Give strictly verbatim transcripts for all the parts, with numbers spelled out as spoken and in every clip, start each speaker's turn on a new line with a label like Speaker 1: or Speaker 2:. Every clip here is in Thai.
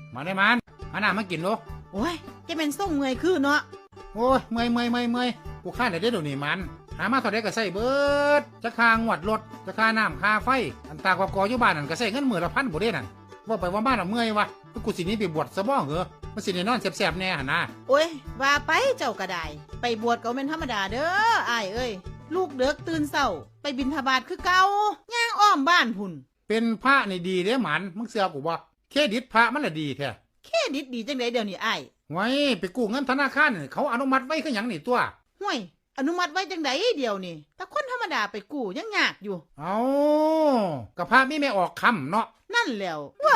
Speaker 1: มาได้มันหาหน้ามากินดู
Speaker 2: โอ้ยจะเป็นส่งเมื่อยคือเนาะ
Speaker 1: โอ้ยเมื่อยเมื่อยเมื่อยเมื่อยกูข้าได้เดี๋ยวนี้มันหามาเท่าไดก็ใส่เบิดจะค่างวดรถจะค่าน้ำค่าไฟอันตากว่ากออยู่บ้านนั่นก็ใส่เงินหมื่นละพันบ่ได้นั่นว่าไปว่าบ้านเราเมื่อยวะกูสินี้ไปบวชซะบ้องเหรอมันสิได้นอนแสบๆแน่หั่นนะ
Speaker 2: โอ้ยว่าไปเจ้าก็ได้ไปบวชก็เป็นธรรมดาเด้ออ้ายเอ้ยลูกเด็กตื่นเช้าไปบิณฑบาตคือเก่าย่างอ้อมบ้านพุ่น
Speaker 1: เป็นพระนี่ดีเด้หมันมึงเสือกูบ่เครดิตพระมันละดีแท้
Speaker 2: เครดิตดีจังไดเดี๋ยวนี้อ้าย
Speaker 1: ไว้ไปกู้เงินธนาคารเขาอนุมัติไว้คือหยังนี่ตัว
Speaker 2: ห่วยอนุมัติไว้จังไดเดียวนี่แต่คนธรรมดาไปกู้ยังยากอยู่
Speaker 1: เอากับพระมีไม่ออกคำเนาะ
Speaker 2: นั่นแล้วว้า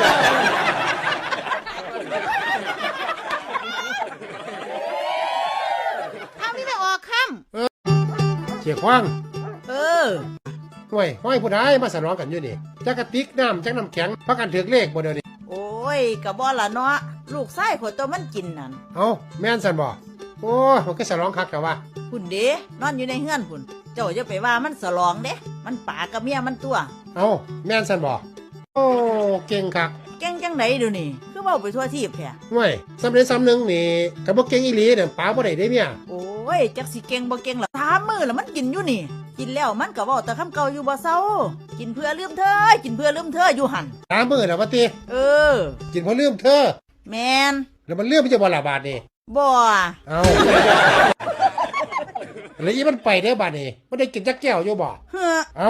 Speaker 2: ทำนี่ไม่ออกคำ
Speaker 1: เออเชี่ยคว้าง
Speaker 2: เออ
Speaker 1: ห่วยห้อยผู้ใดมาสนองกันอยู่นี่จักกระติกน้ำจักน้ำแข็งพักกันถือเลขบ่เดี๋ยวนี้
Speaker 2: โอ้ยกะบ่ล่ะเนาะลูกไส้ขวดตัวมันกินนั่น
Speaker 1: เอาแม่นสันบ่โอ้ยมันก็สลองคักแต่ว่า
Speaker 2: พุ่นเด้นอนอยู่ในเฮือนพุ่นเจ้าจะไปว่ามันสลองเด้มันป่ากับเมียมันตัว
Speaker 1: เอาแม่นสันบ่โอ้เก่งคัก
Speaker 2: เก่งจังไหนดูนี่คือเว้าไปทั่วทีบแท้
Speaker 1: ห่วยสำเร็จซ้ำหนึ่งนี่กับบ่เก่งอีหลีเนี่ยป๋าบ่ได้ได้เมีย
Speaker 2: โอ้ยจักสิเก่งบ่เก่งล่ะถามมือแล้วมันกินอยู่นี่กินแล้วมันก็เว้าแต่คำเก่าอยู่บ่เซากินเพื่อลืมเธอกินเพื่อลืมเธออยู่หั่น
Speaker 1: ถามมือแล้วว่าติ
Speaker 2: เออ
Speaker 1: กินเพื่อลืมเธอ
Speaker 2: แม่น
Speaker 1: แล้วมันลืมมันจะบ่ละบาดนี่
Speaker 2: บ่
Speaker 1: เอาแล้วอีมันไปได้บาดนี่มันได้กินจักแก้วอยู่บ่
Speaker 2: เฮ้อ
Speaker 1: เอา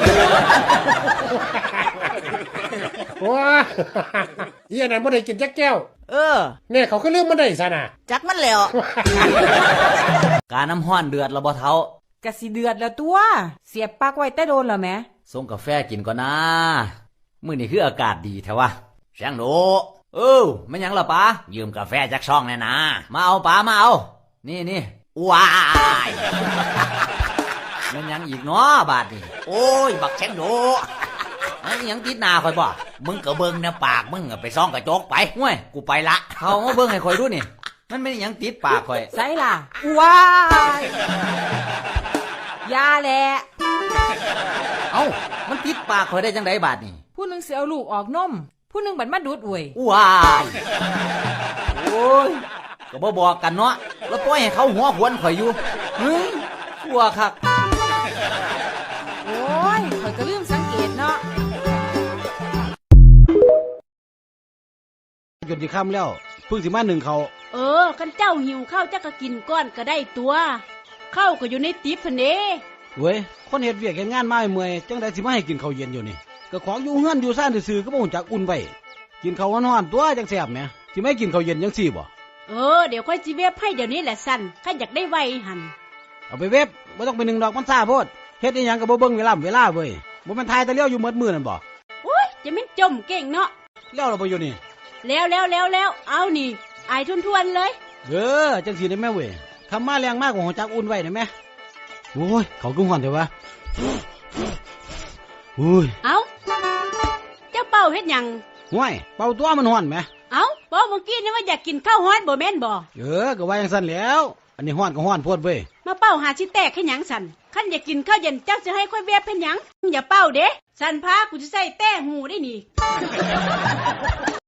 Speaker 1: ว้าอีอันนั้นบ่ได้กินจักแก้ว
Speaker 2: เออ
Speaker 1: แน่เขาก็ลืมมันได้ซะน่ะ
Speaker 2: จักมันแล้ว
Speaker 3: กาน้ำห้อนเดือดแล้วบ่เฒ่ากะสิเดือดแล้วตัวเสียบปลั๊กไว้แต่โดนแล้วแหมส่งกาแฟกินก่อนนะมื้อนี้คืออากาศดีแท้วะแสงโดเออแม่นหยังล่ะป๋ายืมกาแฟจากช่องแน่นะมาเอาป๋ามาเอานี่นี่ว้ายแม่นหยังอีกเนาะบาดนี้โอ้ยบักแสงโดมันยังติดหน้าข่อยบ่มึงก็เบิ่งนะปากมึงไปซ่องกระจกไปห้วยกูไปละเขามาเบิ่งให้ข่อยดูนี่มันไม่ยังติดปากข่อย
Speaker 4: ใส่ล่ะว้ายยาแหละ
Speaker 3: เอ้ามันติดปากข่อยได้จังไดบาดนี่
Speaker 4: ผู้นึงสิเอาลูกออกนมผู้นึงบัดมาดูดอวย
Speaker 3: ว้ายโอ้ยก็บ่บอกกันเนาะแล้วปล่อยให้เขาหัวขวนข่อยอยู่เฮ้ยกลัวคัก
Speaker 4: โอ้ยข่อยก็ลืมสังเกตเนาะ
Speaker 5: จนสิค่ำแล้วเพิ่งสิมาหนึ่งเขา
Speaker 4: เออคันเจ้าหิวข้าวจักก็กินก้อนก็ได้ตัวข้าวก็อยู่ในติ๊บพุ่นเด้
Speaker 5: เว้ยคนเฮ็ดเวียกเฮ็ดงานมาเมื่อยจังได๋สิมาให้กินข้าวเย็นอยู่นี่ก็ของอยู่เฮือนอยู่ซ่านซื่อๆก็บ่ฮู้จักอุ่นไว้กินข้าวร้อนๆตัวจังแซ่บแหมสิไม่กินข้าวเย็นจังซี่บ่
Speaker 4: เออเดี๋ยวค่อยสิเว็บให้เดี๋ยวนี้แหละสั่นข้าอยากได้ไวหั่น
Speaker 5: เอาไปเว็บบ่ต้องไปนึ่งดอกมันซ่าโพดเฮ็ดอีหยังก็บ่เบิ่งเวลาเวลาเว้ยบ่แม่นทายแต่เลี้ยวอยู่หมดมื้อนั่นบ่
Speaker 4: โอ้ยจะแม่นจมเก่งเนาะ
Speaker 5: แล้วเราบ่อยู่นี่
Speaker 4: แล้วแล้วแล้วแล้วเอานี่อายทวนๆเลย
Speaker 5: เออจังสิได้แม่เว้ยคำมาแรงมากกว่าหัวจักอุ่นไว้ได้แม่โอ้ยเขาคือฮ้อนเด้อวะโอ้ย
Speaker 4: เอ้าเจ้าเป่าเฮ็ดหยัง
Speaker 5: ห่วยเป่าตัวมันฮ้อนแหม
Speaker 4: เอ้าบอกเมื่อกี้นี่ว่าอยากกินข้าวฮ้อนบ่แม่นบ่
Speaker 5: เออก็ว่าจังซั่นแล้วอันนี้ฮ้อนก็ฮ้อนโพดเว้ย
Speaker 4: มาเป่าหาสิแตกให้หยังสั่นคันอยากกินข้าวเย็นเจ้าสิให้ค่อยเว็บเฮ็ดหยังอย่าเป่าเด้สั่นพากูสิใส่แต้หูได้นี่